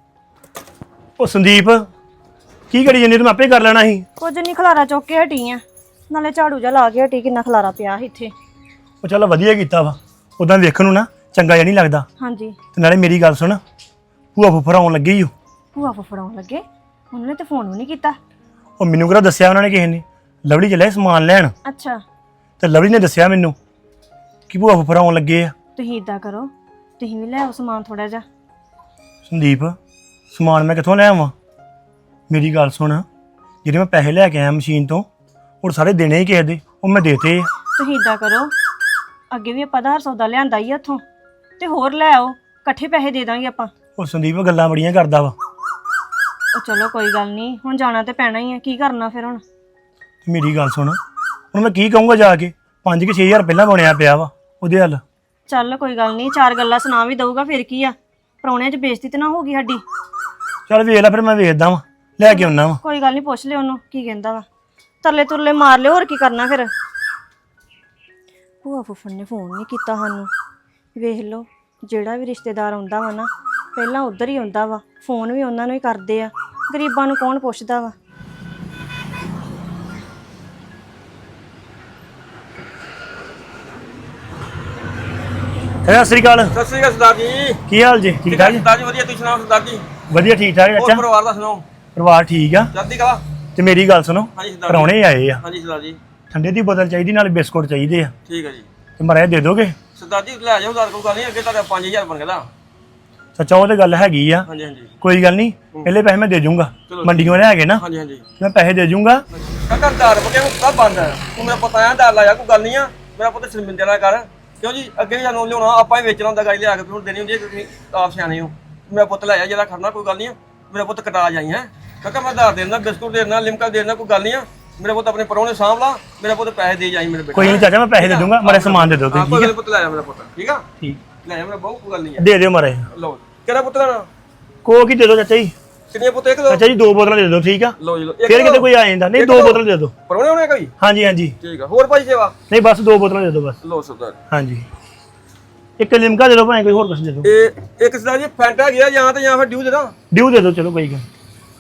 Speaker 4: ਉਹ ਸੰਦੀਪ ਕੀ ਕਰੀ ਜਾਂਦੀ ਤੂੰ ਆਪੇ ਕਰ ਲੈਣਾ ਸੀ।
Speaker 3: ਕੁਝ ਨਹੀਂ, ਖਲਾਰਾ ਚੁੱਕ ਕੇ ਹਟੀ ਆ, ਨਾਲੇ ਝਾੜੂ ਜਾ ਲਾ ਕੇ ਹਟੀ, ਕਿੰਨਾ ਖਲਾਰਾ ਪਿਆ ਸੀ ਇੱਥੇ।
Speaker 4: ਉਹ ਚੱਲ ਵਧੀਆ ਕੀਤਾ ਵਾ, ਉਦਾਂ ਵੇਖਣ ਨੂੰ ਨਾ ਚੰਗਾ ਜਿਹਾ ਨਹੀਂ ਲੱਗਦਾ।
Speaker 3: ਹਾਂਜੀ।
Speaker 4: ਤੇ ਨਾਲੇ ਮੇਰੀ ਗੱਲ ਸੁਣ, ਭੂਆ ਫੁੱਫੜ ਆਉਣ ਲੱਗੀ ਓ।
Speaker 3: ਭੂਆ ਫੜਾਉਣ ਲੱਗੇ? ਉਹਨਾਂ ਨੇ ਤੇ ਫੋਨ ਵੀ ਨਹੀਂ ਕੀਤਾ।
Speaker 4: ਉਹ ਮੈਨੂੰ ਕਿਹੜਾ ਦੱਸਿਆ ਉਹਨਾਂ ਨੇ ਕਿਸੇ ਨੇ। ਲਵਲੀ ਚੱਲਿਆ ਸਮਾਨ ਲੈਣ
Speaker 3: ਅੱਛਾ।
Speaker 4: ਤੇ ਲਵਲੀ ਨੇ ਦੱਸਿਆ ਮੈਨੂੰ ਕਿ ਭੂਆ ਫੁੱਫੜ ਆਉਣ ਲੱਗੇ ਆ।
Speaker 3: ਤੁਸੀਂ ਇਦਾਂ ਕਰੋ, ਤੁਸੀਂ ਵੀ ਲੈ ਆਓ ਸਮਾਨ ਥੋੜਾ ਜਿਹਾ।
Speaker 4: ਸੰਦੀਪ ਸਮਾਨ ਮੈਂ ਕਿੱਥੋਂ ਲੈ ਆਵਾਂ? ਮੇਰੀ ਗੱਲ ਸੁਣ, ਜਿਹੜੇ ਮੈਂ ਪੈਸੇ ਲੈ ਕੇ ਆਇਆ ਮਸ਼ੀਨ ਤੋਂ ਉਹ ਸਾਰੇ ਦੇਣੇ ਹੀ ਕਿਸੇ ਦੇ, ਉਹ ਮੈਂ ਦੇਤੇ ਆ।
Speaker 3: ਤੁਸੀਂ ਇਦਾਂ ਕਰੋ, ਅੱਗੇ ਵੀ ਆਪਾਂ ਆਧਾਰ ਸੌਦਾ ਲਿਆਂਦਾ ਹੀ ਉੱਥੋਂ, ਤੇ ਹੋਰ ਲੈ ਆਓ, ਇਕੱਠੇ ਪੈਸੇ ਦੇ ਦਾਂਗੇ ਆਪਾਂ।
Speaker 4: ਉਹ ਸੰਦੀਪ ਗੱਲਾਂ ਬੜੀਆਂ ਕਰਦਾ ਵਾ।
Speaker 3: ਉਹ ਚਲੋ ਕੋਈ ਗੱਲ ਨਹੀਂ, ਹੁਣ ਜਾਣਾ ਤੇ ਪੈਣਾ ਹੀ ਆ, ਕੀ ਕਰਨਾ ਫਿਰ ਹੁਣ।
Speaker 4: ਮੇਰੀ ਗੱਲ ਸੁਣ, ਹੁਣ ਮੈਂ ਕੀ ਕਹੂੰਗਾ ਜਾ ਕੇ? 5-6 ਹਜ਼ਾਰ ਪਹਿਲਾਂ ਬਣਿਆ ਪਿਆ ਵਾ ਉਹਦੇ ਹੱਲ।
Speaker 3: ਚੱਲ ਕੋਈ ਗੱਲ ਨਹੀਂ, 4 ਗੱਲਾਂ ਸੁਣਾ ਵੀ ਦਊਗਾ, ਫਿਰ ਕੀ ਆ, ਪ੍ਰਾਹੁਣਿਆਂ 'ਚ ਬੇਇੱਜ਼ਤੀ ਤੇ ਨਾ ਹੋਗੀ ਸਾਡੀ।
Speaker 4: ਚੱਲ ਵੇਖ ਲੈ, ਫਿਰ ਮੈਂ ਵੇਖਦਾ ਵਾਂ, ਲੈ ਕੇ ਆਉਣਾ ਵਾ।
Speaker 3: ਕੋਈ ਗੱਲ ਨਹੀਂ, ਪੁੱਛ ਲਿਓ ਉਹਨੂੰ ਕੀ ਕਹਿੰਦਾ ਵਾ, ਤਰਲੇ ਤੁਰਲੇ ਮਾਰ ਲਿਓ, ਹੋਰ ਕੀ ਕਰਨਾ ਫਿਰ। ਭੂਆ ਫੁੱਫੜ ਨੇ ਫੋਨ ਨਹੀਂ ਕੀਤਾ ਸਾਨੂੰ। ਵੇਖ ਲਓ, ਜਿਹੜਾ ਵੀ ਰਿਸ਼ਤੇਦਾਰ ਆਉਂਦਾ ਵਾ ਨਾ, ਪਹਿਲਾਂ ਉੱਧਰ ਹੀ ਆਉਂਦਾ ਵਾ, ਫੋਨ ਵੀ ਉਹਨਾਂ ਨੂੰ ਹੀ ਕਰਦੇ ਆ, ਗਰੀਬਾਂ ਨੂੰ ਕੌਣ ਪੁੱਛਦਾ ਵਾ।
Speaker 4: ਸਤਿ ਸ੍ਰੀ ਅਕਾਲ।
Speaker 9: ਸਤਿ ਸ੍ਰੀ ਅਕਾਲ ਸਰਦਾਰ ਜੀ।
Speaker 4: ਕੀ ਹਾਲ ਜੀ? ਠੀਕ ਠਾਕ ਜੀ?
Speaker 9: ਸਰਦਾਰ ਜੀ ਵਧੀਆ, ਤੁਸੀਂ ਸੁਣਾਓ ਸਰਦਾਰ ਜੀ?
Speaker 4: ਵਧੀਆ ਠੀਕ ਠਾਕ
Speaker 9: ਹੋਰ
Speaker 4: ਅੱਛਾ।
Speaker 9: ਪਰਿਵਾਰ ਦਾ ਸੁਣਾਓ?
Speaker 4: ਪਰਿਵਾਰ ਠੀਕ ਆ।
Speaker 9: ਚੜ੍ਹਦੀ ਕਲਾ।
Speaker 4: ਤੇ ਮੇਰੀ ਗੱਲ ਸੁਣੋ,
Speaker 9: ਹਾਂਜੀ ਸਰਦਾਰ ਜੀ।
Speaker 4: ਪ੍ਰਾਹੁਣੇ ਆਏ ਆ,
Speaker 9: ਹਾਂਜੀ ਸਰਦਾਰ ਜੀ।
Speaker 4: ਠੰਡੇ ਦੀ ਬੋਤਲ ਚਾਹੀਦੀ, ਨਾਲ ਬਿਸਕੁਟ ਚਾਹੀਦੇ ਆ,
Speaker 9: ਠੀਕ ਹੈ ਜੀ।
Speaker 4: ਤੇ ਮਰਿਆ ਦੇ ਦੋਗੇ?
Speaker 9: ਸਰਦਾਰ ਜੀ ਲੈ ਜਾਓ, ਉਧਾਰ ਕੋਈ ਗੱਲ ਨਹੀਂ, ਅੱਗੇ ਤੁਹਾਡਾ 5000 ਬਣ ਗਿਆ।
Speaker 4: ਸੱਚਾ ਉਹ ਤੇ ਗੱਲ ਹੈਗੀ ਆ।
Speaker 9: ਹਾਂਜੀ ਹਾਂਜੀ
Speaker 4: ਕੋਈ ਗੱਲ ਨਹੀਂ, ਪਹਿਲੇ ਪੈਸੇ ਮੈਂ ਦੇ ਜੂੰਗਾ, ਮੰਡੀੋਂ ਲੈ ਕੇ ਨਾ
Speaker 9: ਹਾਂਜੀ ਹਾਂਜੀ।
Speaker 4: ਮੈਂ ਪੈਸੇ ਦੇ ਜੂੰਗਾ।
Speaker 9: ਕਾਕਾ ਦਾਰ ਬਕੇ ਨੂੰ ਕਾ ਬੰਦ ਹੈ, ਤੂੰ ਮੇਰਾ ਪੁੱਤ ਆਇਆ ਦਾਰ ਲਾਇਆ, ਕੋਈ ਗੱਲ ਨਹੀਂ ਆ, ਮੇਰਾ ਪੁੱਤ ਸ਼ਰਮਿੰਦੇ ਨਾ ਕਰ, ਕਿਉਂ ਜੀ? ਅੱਗੇ ਵੀ ਸਾਨੂੰ ਲਿਆਉਣਾ, ਆਪਾਂ ਹੀ ਵੇਚਣਾ ਹੁੰਦਾ, ਗਾਈ ਲਿਆ ਕੇ ਫਿਰ ਦੇਣੀ ਹੁੰਦੀ ਹੈ, ਤੁਸੀਂ ਆਪ ਸਿਆਣੇ ਹੋ। ਮੇਰਾ ਪੁੱਤ ਲੈ ਆ, ਜਿਹੜਾ ਖੜਨਾ ਕੋਈ ਗੱਲ ਨਹੀਂ ਆ, ਮੇਰਾ ਪੁੱਤ ਕਟਾ ਜਾਈ ਹੈ ਕਾਕਾ, ਮੈਂ ਦਾਰ ਦੇਣਾ, ਬਿਸਕੁਟ ਦੇਣਾ, ਲਿਮਕਾ ਦੇਣਾ, ਕੋਈ ਗੱਲ ਨਹੀਂ ਆ, ਮੇਰਾ ਪੁੱਤ ਆਪਣੇ ਪਰੋਂ ਨੇ ਸਾਂਭ ਲਾ, ਮੇਰਾ ਪੁੱਤ ਪੈਸੇ ਦੇ ਜਾਈ ਮੇਰੇ ਬੇਟੇ।
Speaker 4: ਕੋਈ ਨਹੀਂ ਚਾਚਾ, ਮੈਂ ਪੈਸੇ ਦੇ ਦੂੰਗਾ, ਮਾਰੇ ਸਮਾਨ ਦੇ ਦੋਗੇ।
Speaker 9: ਕੋਈ ਪੁੱਤ ਲੈ ਜਾ ਮੇਰਾ ਪੁੱਤ, ਠੀਕ ਆ?
Speaker 4: ਠੀਕ,
Speaker 9: ਲੈ ਜਾ ਮੇਰਾ ਬਹੁਤ ਕੋਈ ਗੱਲ ਨਹੀਂ ਆ।
Speaker 4: ਦੇ ਦਿਓ ਮਾਰੇ।
Speaker 9: ਲਓ ਕਿਹੜਾ ਪੁੱਤ ਲੈਣਾ?
Speaker 4: ਕੋਕ ਹੀ ਦੇ ਦਿਓ ਚਾਚਾ ਜੀ।
Speaker 9: ਕਿੰਨੀਆਂ ਪੁੱਤ? ਇੱਕ ਦੋ?
Speaker 4: ਚਾਚਾ ਜੀ 2 ਬੋਤਲਾਂ ਦੇ ਦਿਓ, ਠੀਕ ਆ?
Speaker 9: ਲਓ ਜੀ ਲਓ।
Speaker 4: ਫਿਰ ਕਿਤੇ ਕੋਈ ਆ ਜਾਂਦਾ ਨਹੀਂ, 2 ਬੋਤਲ ਦੇ ਦਿਓ।
Speaker 9: ਪਰੋਣੇ ਹੋਣੇ ਕੋਈ?
Speaker 4: ਹਾਂਜੀ ਹਾਂਜੀ
Speaker 9: ਠੀਕ ਆ। ਹੋਰ ਭਾਈ ਸੇਵਾ?
Speaker 4: ਨਹੀਂ ਬਸ 2 ਬੋਤਲਾਂ ਦੇ ਦਿਓ ਬਸ।
Speaker 9: ਲਓ ਸਰਦਾਰ।
Speaker 4: ਹਾਂਜੀ, ਇੱਕ ਲਿਮਕਾ ਦੇ ਦਿਓ, ਭਾਵੇਂ ਕੋਈ ਹੋਰ ਕੁਝ ਦੇ ਦਿਓ।
Speaker 9: ਇਹ ਇੱਕ ਸਰਦਾਰ ਜੀ ਫੈਂਟਾ ਗਿਆ ਜਾਂ ਤੇ ਜਾਂ ਫਿਰ ਡਿਊ ਦੇ ਦਾਂ?
Speaker 4: ਡਿਊ ਦੇ ਦਿਓ, ਚਲੋ ਕੋਈ ਗੱਲ।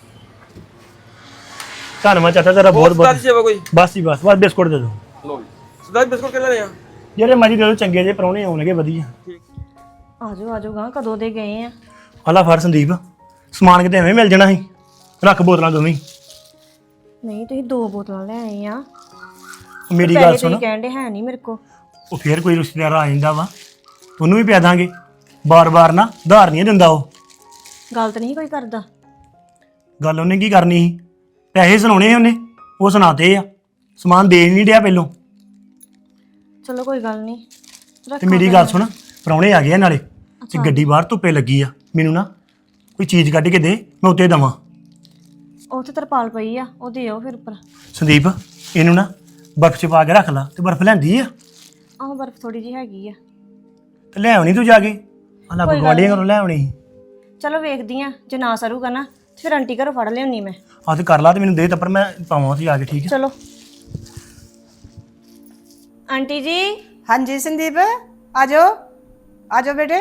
Speaker 4: ਧੰਨਵਾਦ ਚਾਚਾ ਤੇਰਾ ਬਹੁਤ
Speaker 9: ਸਰਦਾਰ
Speaker 4: ਬਹੁਤ।
Speaker 9: ਜੀ ਸੇਵਾ ਕੋਈ?
Speaker 4: ਬਸ ਜੀ ਬਸ ਬਿਸਕੁਟ ਦੇ ਦਿਓ।
Speaker 9: ਲਓ ਜੀ ਸਰਦਾਰ ਜੀ ਬਿਸਕੁਟ ਕਿੰਨੇ ਲੈਣੇ ਆ?
Speaker 4: ਜਿਹੜੇ ਮਰਜ਼ੀ ਦੇ ਦਿਓ, ਚੰਗੇ ਜਿਹੇ ਪ੍ਰਾਹੁਣੇ ਆਉਣਗੇ ਵਧੀਆ।
Speaker 9: ਠੀਕ।
Speaker 3: ਆਜੋ ਆਜੋ ਗਾ, ਕਦੋਂ ਦੇ ਗਏ ਆ?
Speaker 4: ਆਲਾ ਫੜ ਸੰਦੀਪ, ਸਮਾਨ ਕਿਤੇ ਐਵੇਂ ਮਿਲ ਜਾਣਾ ਸੀ, ਰੱਖ ਬੋਤਲਾਂ ਦੋਵੇਂ ਹੀ।
Speaker 3: ਨਹੀਂ, ਤੁਸੀਂ 2 ਬੋਤਲਾਂ ਲੈ ਆਏ ਆ।
Speaker 4: ਮੇਰੀ ਗੱਲ
Speaker 3: ਪੈਸੇ
Speaker 4: ਸੁਣ,
Speaker 3: ਤੁਸੀਂ ਕਹਿੰਦੇ ਹੈ ਨਹੀਂ ਮੇਰੇ ਕੋ।
Speaker 4: ਉਹ ਫੇਰ ਕੋਈ ਰਿਸ਼ਤੇਦਾਰ ਆ ਜਾਂਦਾ ਵਾ, ਉਹਨੂੰ ਵੀ ਪਿਆ ਦਾਂਗੇ, ਬਾਰ-ਬਾਰ ਨਾ ਉਧਾਰ ਨਹੀਂ ਦਿੰਦਾ ਉਹ।
Speaker 3: ਗੱਲ ਤਾਂ ਨਹੀਂ ਕੋਈ ਕਰਦਾ।
Speaker 4: ਗੱਲ ਉਹਨੇ ਕੀ ਕਰਨੀ ਸੀ? ਪੈਸੇ ਸੁਣਾਉਣੇ ਉਹਨੇ, ਉਹ ਸੁਣਾਤੇ ਆ, ਸਮਾਨ ਦੇ ਨਹੀਂ ਡਿਆ ਪਹਿਲੋਂ।
Speaker 3: ਚਲੋ ਕੋਈ ਗੱਲ ਨਹੀਂ,
Speaker 4: ਤੇ ਮੇਰੀ ਗੱਲ ਸੁਣ, ਪ੍ਰਾਹੁਣੇ ਆ ਗਏ ਆ ਨਾਲੇ, ਤੇ ਗੱਡੀ ਬਾਹਰ ਧੁੱਪੇ ਲੱਗੀ ਆ, ਮੈਨੂੰ ਨਾ ਕੋਈ ਚੀਜ਼ ਕੱਢ ਕੇ ਦੇ, ਮੈਂ ਉੱਤੇ ਦੇਵਾਂ।
Speaker 3: ਉੱਥੇ ਤਰਪਾਲ ਪਈ ਆ, ਉਹ ਦਿਓ ਫਿਰ ਉੱਪਰ।
Speaker 4: ਸੰਦੀਪ ਇਹਨੂੰ ਨਾ ਬਰਫ਼ 'ਚ ਪਾ ਕੇ ਰੱਖ ਲਾ, ਤੇ ਬਰਫ਼ ਲੈਂਦੀ ਆ
Speaker 3: ਆਹ ਬਰਫ਼ ਥੋੜੀ ਜਿਹੀ ਹੈਗੀ ਆ।
Speaker 4: ਤੇ ਲੈ ਆਉਣੀ ਤੂੰ ਜਾ ਕੇ, ਆਲਾ
Speaker 3: ਕੋਈ ਗੱਲ
Speaker 4: ਗਵਾਲੀਆਂ ਘਰੋਂ ਲੈ ਆਉਣੀ ਸੀ।
Speaker 3: ਚਲੋ ਵੇਖਦੀ ਆ, ਜੇ ਨਾ ਸਰੂਗਾ ਨਾ ਤੇ ਫਿਰ ਆਂਟੀ ਘਰੋਂ ਫੜ ਲਿਆਉਣੀ ਮੈਂ।
Speaker 4: ਆਹ ਤੇ ਕਰ ਲਾ, ਤੇ ਮੈਨੂੰ ਦੇ ਤਾਂ, ਪਰ ਮੈਂ ਪਾਵਾਂ ਉੱਥੇ ਜਾ ਕੇ, ਠੀਕ ਹੈ?
Speaker 3: ਚਲੋ ਆਂਟੀ ਜੀ।
Speaker 10: ਹਾਂਜੀ ਸੰਦੀਪ, ਆਜੋ ਆਜੋ ਬੇਟੇ,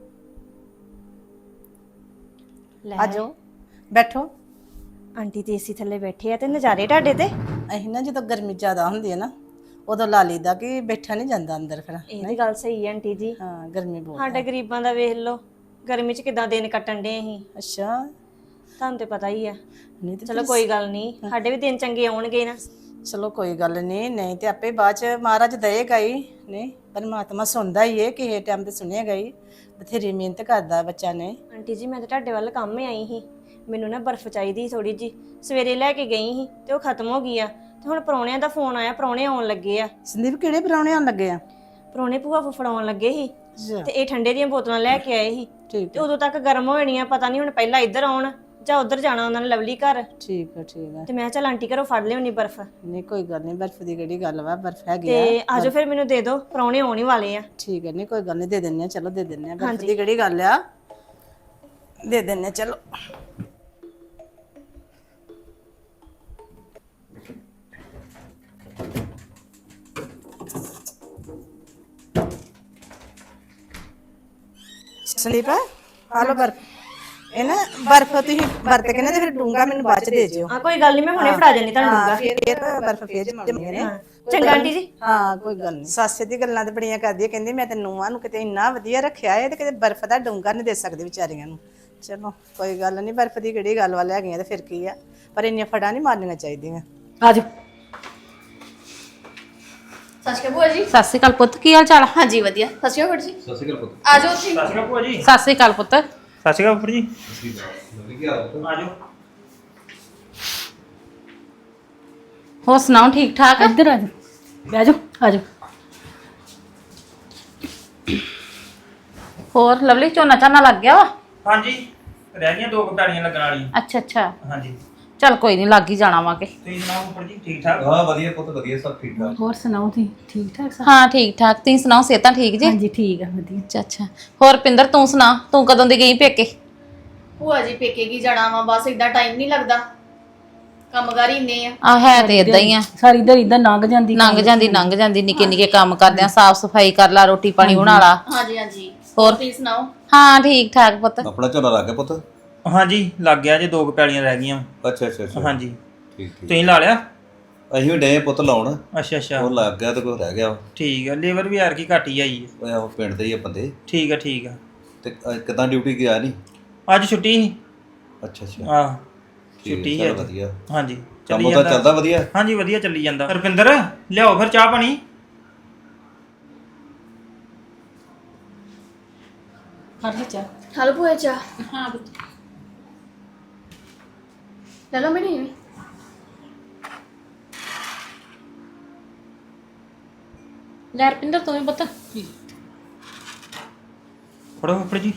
Speaker 3: ਲੈ
Speaker 10: ਆਜੋ ਬੈਠੋ।
Speaker 3: ਆਂਟੀ ਤੇ ਏਸੀ ਥੱਲੇ ਬੈਠੇ ਆ ਤੇ ਨਜ਼ਾਰੇ ਤੁਹਾਡੇ ਤੇ।
Speaker 10: ਅਸੀਂ ਨਾ ਜਦੋਂ ਗਰਮੀ ਜ਼ਿਆਦਾ ਹੁੰਦੀ ਹੈ ਨਾ, ਉਦੋਂ ਲਾ ਲਈਦਾ ਕਿ ਬੈਠਾ ਨਹੀਂ ਜਾਂਦਾ ਅੰਦਰ, ਫਿਰ
Speaker 3: ਇਹ ਵੀ ਗੱਲ ਸਹੀ ਹੈ ਆਂਟੀ ਜੀ।
Speaker 10: ਹਾਂ ਗਰਮੀ ਬਹੁਤ।
Speaker 3: ਸਾਡੇ ਗਰੀਬਾਂ ਦਾ ਵੇਖ ਲਓ, ਗਰਮੀ 'ਚ ਕਿਦਾਂ ਦਿਨ ਕੱਟਣ ਦੇ ਅਸੀਂ।
Speaker 10: ਅੱਛਾ,
Speaker 3: ਤੁਹਾਨੂੰ ਤੇ ਪਤਾ ਹੀ ਆ।
Speaker 10: ਨਹੀਂ ਤੇ
Speaker 3: ਚਲੋ ਕੋਈ ਗੱਲ ਨਹੀਂ, ਸਾਡੇ ਵੀ ਦਿਨ ਚੰਗੇ ਆਉਣਗੇ ਨਾ।
Speaker 10: ਚਲੋ ਕੋਈ ਗੱਲ ਨਹੀਂ, ਨਹੀਂ ਤੇ ਆਪੇ ਬਾਅਦ ਚ ਮਹਾਰਾਜ ਦਏਗਾ ਹੀ। ਨਹੀਂ ਪਰਮਾਤਮਾ ਸੁਣਦਾ ਹੀ ਹੈ, ਕਿਸੇ ਟਾਈਮ ਤੇ ਸੁਣੇਗਾ ਹੀ। ਬਥੇਰੀ ਮਿਹਨਤ ਕਰਦਾ ਬੱਚਾ ਨੇ।
Speaker 3: ਆਂਟੀ ਜੀ ਮੈਂ ਤਾਂ ਤੁਹਾਡੇ ਵੱਲ ਕੰਮ ਆਈ ਸੀ, ਮੈਨੂੰ ਨਾ ਬਰਫ਼ ਚਾਹੀਦੀ ਥੋੜੀ ਜੀ, ਸਵੇਰੇ ਲੈ ਕੇ ਗਈ ਸੀ ਤੇ ਉਹ ਖਤਮ ਹੋ ਗਈ ਆ, ਤੇ ਹੁਣ ਪ੍ਰਾਹੁਣਿਆਂ ਦਾ ਫੋਨ ਆਇਆ, ਪ੍ਰਾਹੁਣੇ ਆਉਣ ਲੱਗੇ ਆ।
Speaker 10: ਸੰਦੀਪ ਕਿਹੜੇ ਪ੍ਰਾਹੁਣੇ ਆਉਣ ਲੱਗੇ ਆ?
Speaker 3: ਪ੍ਰਾਹੁਣੇ ਭੂਆ ਫੁੱਫੜ ਆਉਣ ਲੱਗੇ ਸੀ,
Speaker 10: ਅੱਛਾ,
Speaker 3: ਤੇ ਇਹ ਠੰਡੇ ਦੀਆਂ ਬੋਤਲਾਂ ਲੈ ਕੇ ਆਏ ਸੀ,
Speaker 10: ਠੀਕ
Speaker 3: ਤੇ ਉਦੋਂ ਤੱਕ ਗਰਮ ਹੋ ਜਾਣੀਆਂ, ਪਤਾ ਨਹੀਂ ਹੁਣ ਪਹਿਲਾਂ ਇੱਧਰ ਆਉਣ ਜਾਂ ਉੱਧਰ ਜਾਣਾ ਉਹਨਾਂ ਨੇ ਲਵਲੀ ਘਰ।
Speaker 10: ਠੀਕ ਹੈ ਠੀਕ ਹੈ।
Speaker 3: ਤੇ ਮੈਂ ਚੱਲ ਆਂਟੀ ਘਰੋਂ ਫੜ ਲਿਆਉਣੀ ਬਰਫ਼।
Speaker 10: ਨਹੀਂ ਕੋਈ ਗੱਲ ਨਹੀਂ, ਬਰਫ਼ ਦੀ ਕਿਹੜੀ ਗੱਲ ਵਾ, ਬਰਫ਼ ਹੈਗੀ
Speaker 3: ਤੇ
Speaker 10: ਆ।
Speaker 3: ਆਜੋ ਫਿਰ ਮੈਨੂੰ ਦੇ ਦਿਓ, ਪ੍ਰਾਹੁਣੇ ਆਉਣ ਹੀ ਵਾਲੇ ਆ।
Speaker 10: ਠੀਕ ਹੈ, ਨਹੀਂ ਕੋਈ ਗੱਲ ਨਹੀਂ, ਦੇ ਦਿੰਨੇ ਆ, ਚਲੋ ਦੇ ਦਿੰਨੇ ਆ, ਬਰਫ਼ ਦੀ ਕਿਹੜੀ ਗੱਲ ਆ, ਦੇ ਦਿੰਨੇ ਆ, ਚਲੋ। ਸੰਦੀਪ ਆ ਲੋ ਬਰਫ਼, ਇਹ ਨਾ ਬਰਫ਼ ਤੁਸੀਂ ਵਰਤ ਕੇ ਨਾ ਤੇ ਫਿਰ ਡੂੰਗਾ ਮੈਨੂੰ ਬਾਅਦ ਚ ਦੇ ਜਿਓ।
Speaker 3: ਆ ਕੋਈ ਗੱਲ ਨਹੀਂ, ਮੈਂ ਹੁਣੇ ਫੜਾ ਜਾਨੀ ਤੁਹਾਨੂੰ
Speaker 10: ਹਾਂ,
Speaker 3: ਡੂੰਗਾ।
Speaker 10: ਫਿਰ ਬਰਫ਼ ਫੇਰ ਜਮਾਉਣੀ ਨੇ।
Speaker 3: ਚੰਗਾ ਆਂਟੀ ਜੀ।
Speaker 10: ਹਾਂ ਕੋਈ ਗੱਲ ਨਹੀਂ। ਸੱਸ ਦੀ ਗੱਲਾਂ ਤੇ ਬੜੀਆਂ ਕਰਦੀ ਹੈ, ਕਹਿੰਦੀ ਮੈਂ ਤੇ ਨੂੰਹਾਂ ਨੂੰ ਕਿਤੇ ਇੰਨਾ ਵਧੀਆ ਰੱਖਿਆ ਹੈ ਤੇ ਕਿਤੇ ਬਰਫ਼ ਦਾ ਡੂੰਗਾ ਨਹੀਂ ਦੇ ਸਕਦੇ ਵਿਚਾਰੀਆਂ ਨੂੰ। ਚਲੋ ਕੋਈ ਗੱਲ ਨਹੀਂ, ਬਰਫ਼ ਦੀ ਕਿਹੜੀ ਗੱਲ ਵਾਲੇ ਹੈਗੀਆਂ ਤੇ ਫਿਰ ਕੀ ਆ, ਪਰ ਇੰਨੀਆਂ ਫੜਾਂ ਨਹੀਂ ਮਾਰਨੀਆਂ ਚਾਹੀਦੀਆਂ।
Speaker 1: ਆਜੋ।
Speaker 2: ਸਤਿ ਸ਼੍ਰੀ ਅਕਾਲ ਭੂਆ ਜੀ।
Speaker 8: ਸਤਿ ਸ਼੍ਰੀ ਅਕਾਲ ਪੁੱਤ, ਕੀ ਹਾਲ ਚਾਲ ਆ?
Speaker 2: ਹਾਂਜੀ ਵਧੀਆ। ਸਤਿ ਸ਼੍ਰੀ ਅਕਾਲ ਜੀ।
Speaker 7: ਸਤਿ ਸ਼੍ਰੀ ਅਕਾਲ ਪੁੱਤ।
Speaker 2: ਆ ਜਾਓ ਉੱਥੇ।
Speaker 6: ਸਤਿ ਸ਼੍ਰੀ ਅਕਾਲ ਭੂਆ ਜੀ।
Speaker 8: ਸਤਿ ਸ਼੍ਰੀ ਅਕਾਲ ਪੁੱਤ।
Speaker 6: ਸਤਿ ਸ਼੍ਰੀ ਅਕਾਲ ਉੱਪਰ ਜੀ।
Speaker 7: ਕੀ ਹਾਲ ਪੁੱਤ?
Speaker 6: ਆ ਜਾਓ।
Speaker 8: ਹੋਰ ਸੁਣਾਓ, ਠੀਕ ਠਾਕ?
Speaker 1: ਇੱਧਰ ਆਜੋ, ਬਹਿ ਜਾਓ, ਆਜੋ।
Speaker 8: ਹੋਰ ਲਵਲੀ, ਝੋਨਾ ਝਾਨਾ ਲੱਗ ਗਿਆ ਵਾ?
Speaker 6: ਹਾਂਜੀ ਰਹਿ ਗਈਆਂ 2 ਪੈੜੀਆਂ ਲੱਗਣ ਵਾਲੀਆਂ।
Speaker 8: ਅੱਛਾ ਅੱਛਾ,
Speaker 6: ਹਾਂਜੀ
Speaker 8: ਚੱਲ ਕੋਈ ਨਹੀਂ, ਲੱਗ ਹੀ ਜਾਣਾ ਵਾ ਕੇ।
Speaker 6: ਤੁਸੀਂ ਸੁਣਾਓ ਉੱਪਰ ਜੀ, ਠੀਕ ਠਾਕ?
Speaker 7: ਹਾਂ ਵਧੀਆ ਪੁੱਤ, ਵਧੀਆ, ਸਭ ਠੀਕ ਠਾਕ।
Speaker 1: ਹੋਰ ਸੁਣਾਓ ਤੁਸੀਂ ਠੀਕ ਠਾਕ ਸਭ?
Speaker 8: ਹਾਂ ਠੀਕ ਠਾਕ, ਤੁਸੀਂ ਸੁਣਾਓ, ਸਿਹਤਾਂ ਠੀਕ ਜੀ?
Speaker 1: ਹਾਂਜੀ ਠੀਕ ਆ, ਵਧੀਆ।
Speaker 8: ਅੱਛਾ ਅੱਛਾ, ਹੋਰ ਪਿੰਦਰ ਤੂੰ ਸੁਣਾ, ਤੂੰ ਕਦੋਂ ਦੀ ਗਈ ਪੇਕੇ?
Speaker 2: ਭੂਆ ਜੀ ਪੇਕੇ ਕੀ ਜਾਣਾ ਵਾ, ਬਸ ਇਦਾਂ ਟਾਈਮ ਨਹੀਂ ਲੱਗਦਾ, ਕੰਮਕਾਰ ਹੀ ਇੰਨੇ ਆ।
Speaker 8: ਆ ਹੈ ਤੇ ਇਦਾਂ ਹੀ ਆ,
Speaker 1: ਸਾਰੀ ਦਿਹਾੜੀ ਦਾ ਲੰਘ ਜਾਂਦੀ।
Speaker 8: ਲੰਘ ਜਾਂਦੀ, ਨਿੱਕੇ ਨਿੱਕੇ ਕੰਮ ਕਰਦਿਆਂ, ਸਾਫ ਸਫਾਈ ਕਰ ਲਾ, ਰੋਟੀ ਪਾਣੀ ਬਣਾ ਲਾ।
Speaker 2: ਹਾਂਜੀ ਹਾਂਜੀ।
Speaker 8: ਹੋਰ
Speaker 2: ਤੁਸੀਂ ਸੁਣਾਓ?
Speaker 8: ਹਾਂ ਠੀਕ ਠਾਕ ਪੁੱਤ।
Speaker 7: ਆਪਣਾ ਝੋਨਾ ਲੱਗ ਗਿਆ ਪੁੱਤ?
Speaker 6: ਹਾਂਜੀ ਲੱਗ ਗਿਆ ਜੇ 2 ਪੈੜੀਆਂ ਰਹਿ ਗਈਆਂ।
Speaker 7: ਅੱਛਾ ਅੱਛਾ ਅੱਛਾ,
Speaker 6: ਹਾਂਜੀ
Speaker 7: ਠੀਕ ਠੀਕ।
Speaker 6: ਤੁਸੀਂ ਲਾ ਲਿਆ?
Speaker 7: ਅਸੀਂ ਵੀ ਡੇ ਪੁੱਤ ਲਾਉਣ,
Speaker 6: ਅੱਛਾ ਅੱਛਾ
Speaker 7: ਉਹ ਲੱਗ ਗਿਆ ਤੇ ਕੋਈ ਰਹਿ ਗਿਆ।
Speaker 6: ਠੀਕ ਆ, ਲੇਬਰ ਵੀ ਯਾਰ ਕੀ ਘੱਟ ਹੀ ਆਈ ਹੈ।
Speaker 7: ਉਹ ਆਹੋ ਪਿੰਡ ਦੇ ਹੀ ਆ ਬੰਦੇ।
Speaker 6: ਠੀਕ ਆ ਠੀਕ ਆ।
Speaker 7: ਤੇ ਕਿਦਾਂ ਡਿਊਟੀ ਗਿਆ ਨਹੀਂ?
Speaker 6: ਅੱਜ ਛੁੱਟੀ ਸੀ।
Speaker 7: ਅੱਛਾ ਅੱਛਾ,
Speaker 6: ਆਹ
Speaker 7: ਠੀਕ
Speaker 6: ਛੁੱਟੀ
Speaker 7: ਹੈ,
Speaker 6: ਹੈ
Speaker 7: ਚੱਲ
Speaker 6: ਅੱਜ।
Speaker 7: ਵਧੀਆ।
Speaker 6: ਹਾਂਜੀ
Speaker 7: ਕੰਮ ਉਹਦਾ ਚੱਲਦਾ ਵਧੀਆ?
Speaker 6: ਹਾਂਜੀ ਵਧੀਆ ਚੱਲੀ ਜਾਂਦਾ। ਰੁਪਿੰਦਰ ਲਿਆਓ ਫਿਰ ਚਾਹ ਪਾਣੀ।
Speaker 1: ਫੜ ਲੈ ਚਾਹ।
Speaker 2: ਹਲੋ ਭੂਆ ਚਾਹ
Speaker 1: ਹਾਂ
Speaker 2: ਲੈ ਲਓ ਮੇਰੀ ਵੀ।
Speaker 8: ਲੈ ਰਪਿੰਦਰ ਤੂੰ ਵੀ ਪੁੱਤ।
Speaker 6: ਫੜੋ ਉੱਪਰ ਜੀ।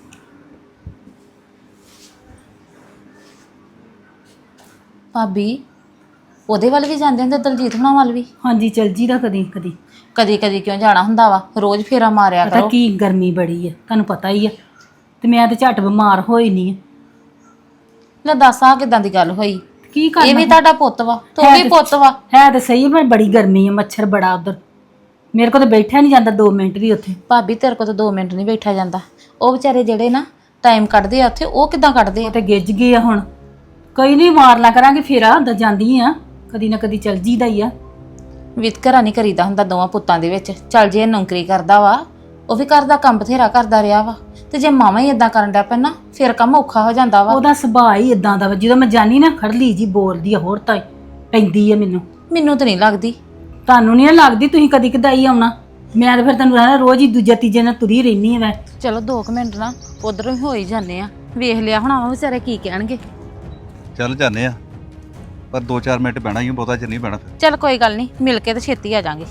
Speaker 8: ਭਾਬੀ ਉਹਦੇ ਵੱਲ ਵੀ ਜਾਂਦੇ ਹੁੰਦੇ, ਦਲਜੀਤ ਹੁਣਾਂ ਵੱਲ ਵੀ?
Speaker 1: ਹਾਂਜੀ ਚਲ ਜੀ ਦਾ ਕਦੀ ਕਦੀ।
Speaker 8: ਕਦੀ ਕਦੀ ਕਿਉਂ ਜਾਣਾ ਹੁੰਦਾ ਵਾ, ਰੋਜ਼ ਫੇਰਾ ਮਾਰਿਆ
Speaker 1: ਪਤਾ
Speaker 8: ਕਰੋ।
Speaker 1: ਕੀ ਗਰਮੀ ਬੜੀ ਹੈ, ਤੁਹਾਨੂੰ ਪਤਾ ਹੀ ਆ, ਤੇ ਮੈਂ ਤੇ ਝੱਟ ਬਿਮਾਰ ਹੋਈ ਨਹੀਂ।
Speaker 8: ਲੈ ਦੱਸ ਆ ਕਿਦਾਂ ਦੀ ਗੱਲ ਹੋਈ?
Speaker 1: ਕੀ ਕਰਨਾ?
Speaker 8: ਇਹ ਵੀ ਤੁਹਾਡਾ ਪੁੱਤ ਵਾ, ਤੂੰ ਵੀ ਪੁੱਤ ਵਾ।
Speaker 1: ਹੈ ਤੇ ਸਹੀ, ਪਰ ਬੜੀ ਗਰਮੀ ਹੈ, ਮੱਛਰ ਬੜਾ ਉਧਰ, ਮੇਰੇ ਕੋਲ ਤੇ ਬੈਠਿਆ ਨਹੀਂ ਜਾਂਦਾ 2 ਮਿੰਟ ਵੀ ਉੱਥੇ।
Speaker 8: ਭਾਬੀ ਤੇਰੇ ਕੋਲ ਤਾਂ 2 ਮਿੰਟ ਨਹੀਂ ਬੈਠਾ ਜਾਂਦਾ। ਉਹ ਵਿਚਾਰੇ ਜਿਹੜੇ ਨਾ ਟਾਈਮ ਕੱਢਦੇ ਆ ਉੱਥੇ, ਉਹ ਕਿਦਾਂ ਕੱਢਦੇ ਆ?
Speaker 1: ਉਹ ਤੇ ਗਿੱਜ ਗਏ ਆ ਹੁਣ। ਕੋਈ ਨਹੀਂ, ਮਾਰ ਲਾ ਕਰਾਂਗੇ ਫੇਰਾ, ਹੁੰਦਾ ਜਾਂਦੀ ਆ, ਕਦੀ ਨਾ ਕਦੀ ਚਲ ਜੀਦਾ ਹੀ ਆ।
Speaker 8: ਵਿਤਕਰਾ ਨਹੀਂ ਕਰੀਦਾ ਹੁੰਦਾ ਦੋਵਾਂ ਪੁੱਤਾਂ ਦੇ ਵਿੱਚ। ਚੱਲ ਜੇ ਇਹ ਨੌਕਰੀ ਕਰਦਾ ਵਾ, ਉਹ ਵੀ ਘਰ ਦਾ ਕੰਮ ਬਥੇਰਾ ਕਰਦਾ ਰਿਹਾ ਵਾ, ਤੇ ਜੇ ਮਾਵਾਂ ਹੀ ਇਦਾਂ ਕਰਨ ਡਿਆ ਪੈਣਾ, ਫਿਰ ਕੰਮ ਔਖਾ ਹੋ ਜਾਂਦਾ ਵਾ।
Speaker 1: ਉਹਦਾ ਸੁਭਾਅ ਹੀ ਇਦਾਂ ਦਾ ਵਾ, ਜਦੋਂ ਮੈਂ ਜਾਨੀ ਨਾ ਖੜਲੀ ਜੀ ਬੋਲਦੀ ਆ, ਹੋਰ ਤਾਂ ਪੈਂਦੀ ਆ ਮੈਨੂੰ।
Speaker 8: ਮੈਨੂੰ ਤਾਂ ਨਹੀਂ ਲੱਗਦੀ।
Speaker 1: ਤੁਹਾਨੂੰ ਨਹੀਂ ਲੱਗਦੀ, ਤੁਸੀਂ ਕਦੀ ਕਦਾਈ ਆਉਣਾ, ਮੈਂ ਤਾਂ ਫਿਰ ਤੁਹਾਨੂੰ ਰਹਿਣਾ ਰੋਜ਼ ਹੀ ਦੂਜਾ ਤੀਜੇ ਨਾਲ ਤੁਰੀ ਰਹਿਨੀ ਆ ਮੈਂ।
Speaker 8: ਚਲੋ 2 ਮਿੰਟ ਨਾ ਉਧਰੋਂ ਹੀ ਹੋ ਹੀ ਜਾਂਦੇ ਆ, ਵੇਖ ਲਿਆ ਹੋਣਾ ਵਾ ਵਿਚਾਰੇ ਕੀ ਕਹਿਣਗੇ।
Speaker 7: ਚੱਲ ਜਾਂਦੇ ਆ, ਪਰ 2-4 ਮਿੰਟ ਬਹਿਣਾ ਹੀ, ਬਹੁਤਾ ਚਿਰ ਨਹੀਂ ਬਹਿਣਾ ਫਿਰ।
Speaker 8: ਚੱਲ ਕੋਈ ਗੱਲ ਨਹੀਂ, ਮਿਲ ਕੇ ਤੇ ਛੇਤੀ ਆ ਜਾਾਂਗੇ।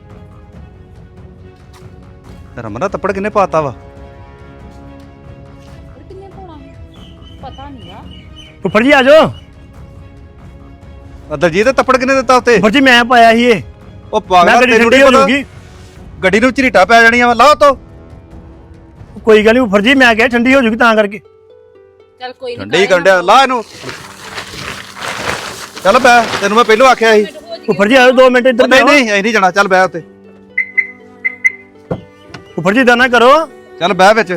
Speaker 7: ਰਮਨ ਦਾ ਤੱਪੜ ਕਿੰਨੇ ਪਾਤਾ ਵਾ?
Speaker 8: ਕਿੰਨੇ ਪਾਉਣਾ ਪਤਾ ਨਹੀਂ ਆ।
Speaker 4: ਉੱਪਰ ਜੀ ਆ ਜਾਓ।
Speaker 7: ਦਲਜੀਤ ਤੱਪੜ ਕਿੰਨੇ ਦਿੱਤਾ ਉੱਤੇ?
Speaker 4: ਉੱਪਰ ਜੀ ਮੈਂ ਪਾਇਆ ਸੀ ਇਹ।
Speaker 7: ਉਹ
Speaker 4: ਮੈਂ
Speaker 7: ਪਾਗਲ
Speaker 4: ਗੱਡੀ
Speaker 7: ਤੈਨੂੰ
Speaker 4: ਠੰਡੀ
Speaker 7: ਨਹੀਂ
Speaker 4: ਹੋ
Speaker 7: ਪਤਾ,
Speaker 4: ਜਾਊਗੀ।
Speaker 7: ਗੱਡੀ ਨੂੰ ਝਰੀਟਾ ਪੈ ਜਾਣੀਆਂ ਵਾ, ਲਾਓ ਤੋ।
Speaker 4: ਕੋਈ ਗੱਲ ਨਹੀਂ ਉੱਪਰ ਜੀ, ਮੈਂ ਕਿਹਾ ਠੰਡੀ ਹੋ ਜੂਗੀ ਤਾਂ ਕਰਕੇ।
Speaker 8: ਚੱਲ ਕੋਈ ਨਹੀਂ,
Speaker 7: ਠੰਡੀ ਕਰਨ ਡਿਆ, ਲਾ ਇਹਨੂੰ। ਚੱਲ ਬੈ, ਤੈਨੂੰ ਮੈਂ ਪਹਿਲਾਂ ਆਖਿਆ ਸੀ।
Speaker 4: ਉੱਪਰ ਜੀ ਆਓ 2 ਮਿੰਟ ਇੱਧਰ
Speaker 7: ਨਹੀਂ
Speaker 4: ਬੈਠੋ।
Speaker 7: ਨਹੀਂ, ਐ ਨਹੀਂ ਜਾਣਾ, ਚੱਲ ਬੈ ਉੱਤੇ।
Speaker 4: ਉੱਪਰ ਜੀ ਏਦਾਂ ਨਾ ਕਰੋ।
Speaker 7: ਚੱਲ ਬਹਿ ਵਿੱਚ।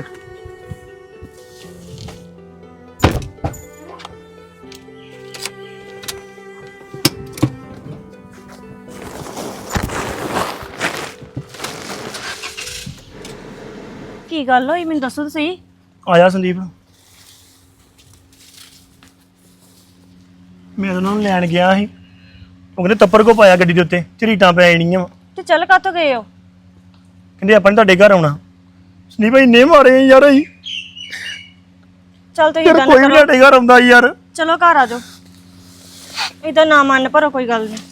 Speaker 3: ਕੀ ਗੱਲ ਹੋਈ ਮੈਨੂੰ ਦੱਸੋ ਤਾਂ ਸਹੀ।
Speaker 4: ਆਇਆ ਸੰਦੀਪ, ਮੈਂ ਉਹਨਾਂ ਨੂੰ ਲੈਣ ਗਿਆ ਸੀ, ਉਹ ਕਹਿੰਦੇ ਤੱਪੜ ਕੋ ਪਾਇਆ ਗੱਡੀ ਦੇ ਉੱਤੇ, ਝਰੀਟਾਂ ਪੈ ਜਾਣੀਆਂ ਵਾ।
Speaker 3: ਤੇ ਚੱਲ ਕਾਤੋਂ ਗਏ ਹੋ?
Speaker 4: ਕਹਿੰਦੇ ਆਪਾਂ ਨੇ ਤੁਹਾਡੇ ਘਰ ਆਉਣਾ। ਸੰਦੀਪ ਭਾਈ ਨੇ ਮਾਰੇ ਯਾਰ, ਅਸੀਂ
Speaker 3: ਚੱਲ ਤੁਸੀਂ
Speaker 4: ਯਾਰ
Speaker 3: ਇਦਾਂ
Speaker 4: ਕੋਈ
Speaker 3: ਨਾ
Speaker 4: ਵੀ
Speaker 3: ਕਰੋ,
Speaker 4: ਸਾਡੇ ਘਰ ਆਉਂਦਾ ਯਾਰ।
Speaker 3: ਚਲੋ ਘਰ ਆ ਜਾਓ। ਇਦਾਂ ਨਾ ਮੰਨ ਭਰੋ, ਕੋਈ ਗੱਲ ਨਹੀਂ।